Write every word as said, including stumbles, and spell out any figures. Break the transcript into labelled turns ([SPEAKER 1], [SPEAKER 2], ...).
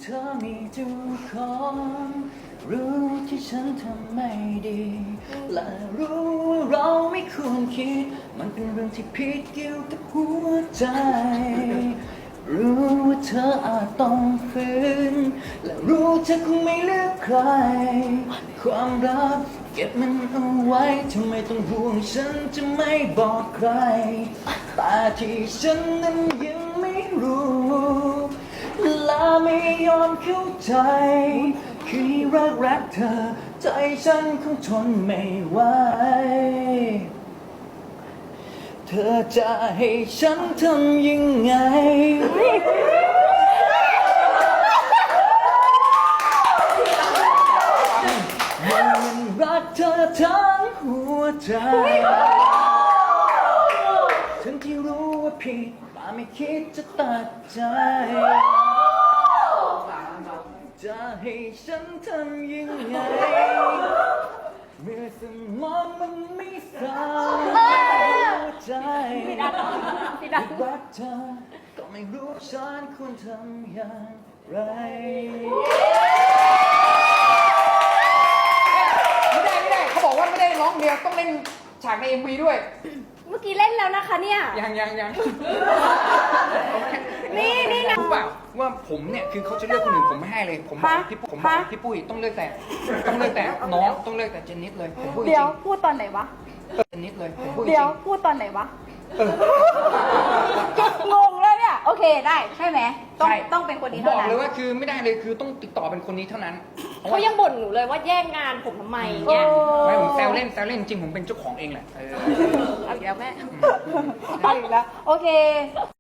[SPEAKER 1] ธอมีทุกคนรู้ที่ฉันทำไม่ดีและรู้ว่าเราไม่ควรคิดมันเป็นเรื่องที่ผิดเกี่ยวกับหัวใจรู้ว่าเธออาจต้องฝืนและรู้เธอคงไม่เลือกใครความรักเก็บมันเอาไว้ทำไมต้องห่วงฉันจะไม่บอกใครแต่ที่ฉันนั้นยังไม่รู้และไม่ยอมเข้าใจคือรักรักเธอใจฉันคงทนไม่ไหวเธอจะให้ฉันทำยังไงมันรักเธอทั้งหัวใจทั้งที่รู้ว่าผิดแต่ไม่คิดจะตัดใจจะให้ฉันทำยังไงเมื่อสมองมันไม่สั่งหัวใจรักเธอก็ไม่รู้ฉันควรทำอย่างไร
[SPEAKER 2] ไม่ได้ไม่ได้เขาบอกว่าไม่ได้ร้องเดียวต้องเล่นฉากใน เอ็ม วี ด้วย
[SPEAKER 3] เมื่อกี้เล่นแล้วนะคะเนี่ย
[SPEAKER 2] ยังยังยัง
[SPEAKER 3] นี่นี่นะ
[SPEAKER 2] รู้เปล่าว่าผมเนี่ยคือเขาจะเลือกคนอื่นผมไม่ให้เลยผมบอกพี่ผมบอกพี่ปุ้ยต้องเลือกแต่ต้องเลือกแต่น้องต้องเลือกแต่เจนนิสเลยผมพูดจริง
[SPEAKER 3] เดี๋ยวพูดตอนไหนวะ
[SPEAKER 2] เจนนิสเลยผมพูดจริง
[SPEAKER 3] เดี๋ยวพูดตอนไหนวะงงแล้วเนี่ยโอเคได้ใช่ไหมต้องต้องเป็นคนนี้
[SPEAKER 2] บ
[SPEAKER 3] เท่า
[SPEAKER 2] อก
[SPEAKER 3] นั้น
[SPEAKER 2] เลยว่าคือไม่ได้เลยคือต้องติดต่อเป็นคนนี้เท่านั้น
[SPEAKER 4] เขายังบ่นหนูเลยว่าแย่งงานผมทำไม
[SPEAKER 3] โอ้
[SPEAKER 4] เนี่ย
[SPEAKER 2] ไม่ผมแซวเล่นแซวเล่นจริงผมเป็นเจ้าของเองแหละ
[SPEAKER 4] เอาอีกแล้วแม่
[SPEAKER 3] เอาอีกแล้วโอเค